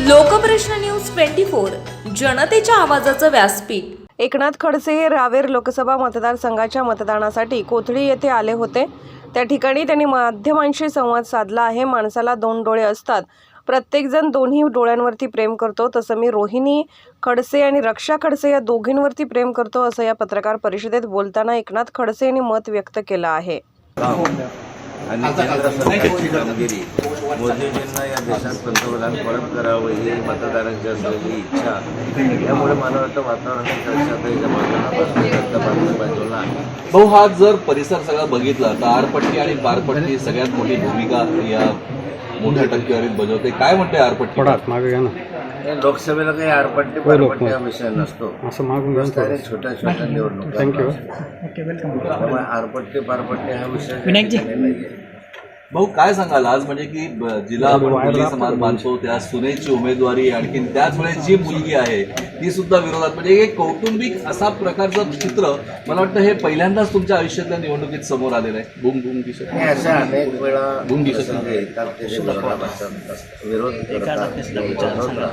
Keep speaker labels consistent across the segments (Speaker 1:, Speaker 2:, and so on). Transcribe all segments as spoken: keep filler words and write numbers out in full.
Speaker 1: लोकप्रश्न news twenty four जनतेच्या आवाजाचं व्यासपीठ।
Speaker 2: एकनाथ खडसे हे रावेर लोकसभा मतदारसंघाच्या मतदानासाठी कोथळी येथे आले होते। त्या ठिकाणी त्यांनी माध्यमांशी संवाद साधला आहे। माणसाला दोन डोळे असतात, प्रत्येकजण दोन्ही डोळ्यांवरती प्रेम करतो, तसं मी रोहिणी खडसे आणि रक्षा खडसे या दोघींवरती प्रेम करतो, असं या पत्रकार परिषदेत बोलताना एकनाथ खडसे यांनी मत व्यक्त केलं आहे।
Speaker 3: आणि केंद्र सरकारची कामगिरी मोदीजींना या देशात पंतप्रधान परत करावं ही मतदारांची असलेली इच्छा, त्यामुळे मला वाटतं वातावरणाच्या बाजूला आहे।
Speaker 4: भाऊ, हा जर परिसर सगळा बघितला तर आरपट्टी आणि पारपट्टी सगळ्यात मोठी भूमिका या मोठ्या टक्केवारीत बजावते। काय म्हणते आरपट्टी?
Speaker 5: मागे घ्या ना।
Speaker 3: लोकसभेला काही आरपट्टी पारपट्टी हा विषय नसतो,
Speaker 5: असं मागून घ्या
Speaker 3: छोट्या छोट्या निवडणुका।
Speaker 5: थँक्यू।
Speaker 3: त्यामुळे आरपट्टी पारपट्टी हा विषय नाहीये।
Speaker 4: भाऊ, काय सांगाल आज, म्हणजे की जिला आपण मुली समाज मानतो त्या सुनेची उमेदवारी, आणखी त्याच वेळेस जी मुलगी आहे ती सुद्धा विरोधात, म्हणजे एक कौटुंबिक असा प्रकारचं चित्र मला वाटतं हे पहिल्यांदाच तुमच्या आयुष्यातल्या निवडणुकीत समोर आलेलं आहे। बुम बुम दिसत
Speaker 3: हे अशा अनेक वेळा
Speaker 4: बुम दिसत
Speaker 3: येतात ते जे विरोधात असतात, विरोध करतात।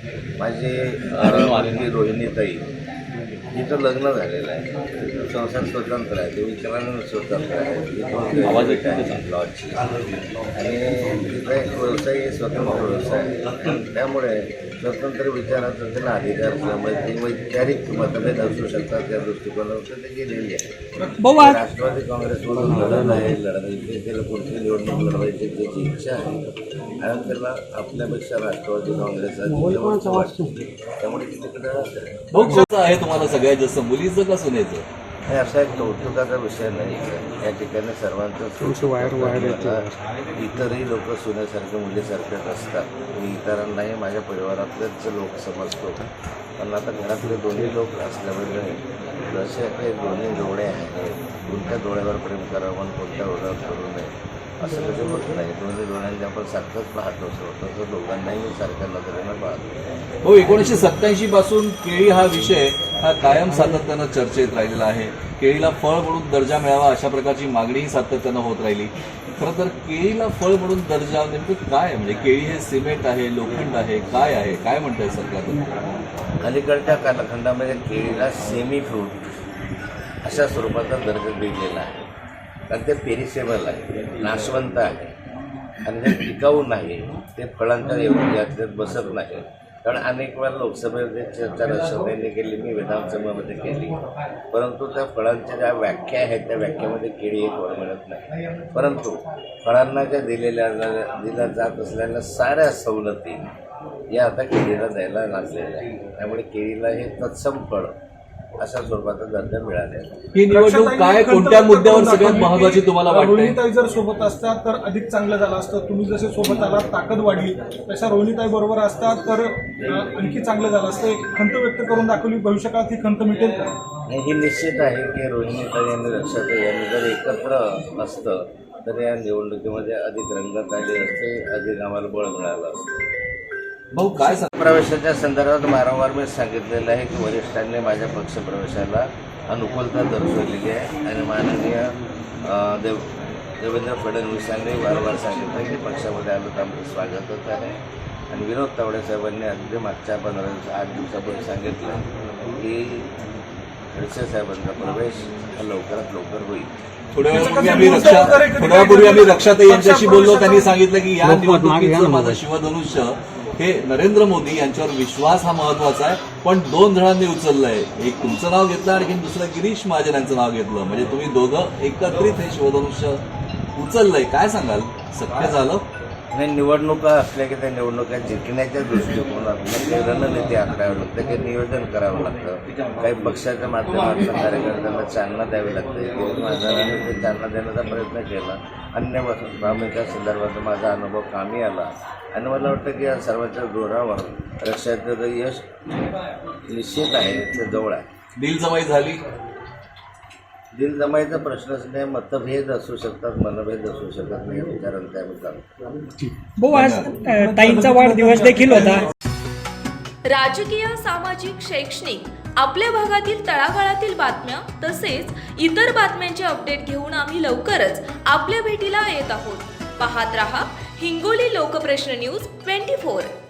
Speaker 3: माझी रोहिणीताई, तिचं लग्न झालेलं आहे, संसार स्वतंत्र आहे, ते विचारानं स्वतंत्र आहे, लॉजची, आणि तिचा एक व्यवसाय स्वतंत्र व्यवसाय आहे। त्यामुळे स्वतंत्र विचाराचा त्यांना अधिकार किंवा वैचारिक मतभेद असू शकतात, त्या दृष्टिकोनातून ते गेलेली आहे। राष्ट्रवादी काँग्रेसमधून लढत आहे, लढायची त्याला पुढची निवडणूक लढवायची त्याची इच्छा आहे, आणि त्याला आपल्यापेक्षा राष्ट्रवादी काँग्रेस त्यामुळे तिकडे
Speaker 4: आहे। तुम्हाला सगळ्यात जास्त मुलीचं का सुनेचं?
Speaker 3: हे असा एक कौतुकाचा विषय नाही। या ठिकाणी सर्वांचं इतरही लोक सुनेसारखे मुलीसारखेच असतात। मी इतरांनाही माझ्या परिवारातलेच लोक समजतो, पण आता घरातले दोन्ही लोक असल्यामुळे जसे काही दोन्ही डोळे आहेत, कोणत्या डोळ्यावर प्रेम करावं आणि कोणत्या डोळ्यावर करू नये असं कधी होत नाही। दोन्ही डोळ्यांनी आपण सारखंच पाहत असतो, तसं दोघांनाही सारख्या नजरेनं पाहतो।
Speaker 4: हो, एकोणीसशे सत्त्याऐंशी पासून केळी हा विषय हा कायम सातत्यानं चर्चेत राहिलेला आहे। केळीला फळ म्हणून दर्जा मिळावा अशा प्रकारची मागणीही सातत्यानं होत राहिली। खरं तर केळीला फळ म्हणून दर्जा नेमकं काय, म्हणजे केळी हे सिमेंट आहे, लोखंड आहे, काय आहे, काय म्हणतंय सरकार?
Speaker 3: अलीकडच्या कालखंडामध्ये केळीला सेमी फ्रूट अशा स्वरूपाचा दर्जा दिलेला आहे, कारण ते पेरिसेबल आहे, नाशवंत आहे, आणि ते टिकाऊ नाही, ते फळांच्या याच्यात बसत नाही। कारण अनेक वेळा लोकसभेमध्ये चर्चा राष्ट्रपतींनी केली, मी विधानसभेमध्ये केली, परंतु त्या फळांच्या ज्या व्याख्या आहेत त्या व्याख्यामध्ये केळी एक वर मिळत नाही। परंतु फळांना ज्या दिलेल्या दिल्या जात असलेल्या साऱ्या सवलती या आता केळीला द्यायला लागलेल्या आहे, त्यामुळे केळीला हे तत्सम फळ अशा स्वरूपाचा दर्जा मिळालेला।
Speaker 4: ही निवडणूक काय, कोणत्या मुद्द्यावर सगळ्यात महत्त्वाची तुम्हाला वाटते?
Speaker 6: रोहिणीताई जर सोबत असतात तर अधिक चांगलं झालं असतं। तुम्ही जसे सोबत आलात, ताकद वाढली, तशा रोहिणीताई बरोबर असतात तर आणखी चांगलं झालं असतं। एक खंत व्यक्त करून दाखवली, भविष्यकाळात ही खंत मिटेल का?
Speaker 3: हे निश्चित आहे की रोहिणीताई आणि रक्षाताई यांनी जर एकत्र असतं तर या निवडणुकीमध्ये अधिक रंगत आली असते, अधिक आम्हाला बळ मिळालं असतं।
Speaker 4: भाऊ, काय सांग
Speaker 3: प्रवेशाच्या संदर्भात वारंवार मी सांगितलेलं आहे की वरिष्ठांनी माझ्या पक्षप्रवेशाला अनुकूलता दर्शवलेली आहे, आणि माननीय देव देवेंद्र फडणवीसांनी वारंवार सांगितलं की पक्षामध्ये आलं तर आमचं स्वागतच आहे। आणि विनोद तावडे साहेबांनी अगदी मागच्या पंधरा दिवस आठ दिवसापूर्वी सांगितलं की खडसे साहेबांचा प्रवेश हा लवकरात लवकर होईल।
Speaker 4: थोड्या वेळापूर्वी आम्ही रक्षा थोड्या वेळापूर्वी आम्ही रक्षाताई यांच्याशी बोललो, त्यांनी सांगितलं की या निवडणुकीचं माझं शिवधनुष्य हे नरेंद्र मोदी यांच्यावर विश्वास हा महत्वाचा आहे, पण दोन जणांनी उचललंय, एक तुमचं नाव घेतलं आणि दुसरं गिरीश महाजन यांचं नाव घेतलं, म्हणजे तुम्ही दोघं एकत्रित हे शिवधनुष्य उचललंय। काय सांगाल, शक्य झालं?
Speaker 3: नाही, निवडणुका असल्या की त्या निवडणुका जिंकण्याच्या दृष्टिकोनातून काही रणनीती आखावी लागते, काही नियोजन करावं लागतं, काही पक्षाच्या माध्यमातून कार्यकर्त्यांना चालना द्यावी लागते। गिरीश महाजनांनी ते चालना देण्याचा प्रयत्न केला, अन्य भूमिका संदर्भात माझा अनुभव कामी आला, आणि मला वाटतं की या सर्वांच्या जोरावर रक्षाचं यश निश्चित आहे, ते जवळ आहे।
Speaker 4: दिलजमाई झाली?
Speaker 3: दिल जमाईचा प्रश्नच नाही, मतभेद असू शकतात, मनभेद असू शकत नाही, विचारांचा आम्ही चालतो।
Speaker 5: भाऊ, आज ताईंचा वाढदिवस देखील होता।
Speaker 1: राजकीय, सामाजिक, शैक्षणिक आपल्या भागातील तळागाळातील बातम्या तसेच इतर बातम्यांचे अपडेट घेऊन आम्ही लवकरच आपल्या भेटीला येत आहोत। पाहत रहा Hingoli Lokprashna news twenty four.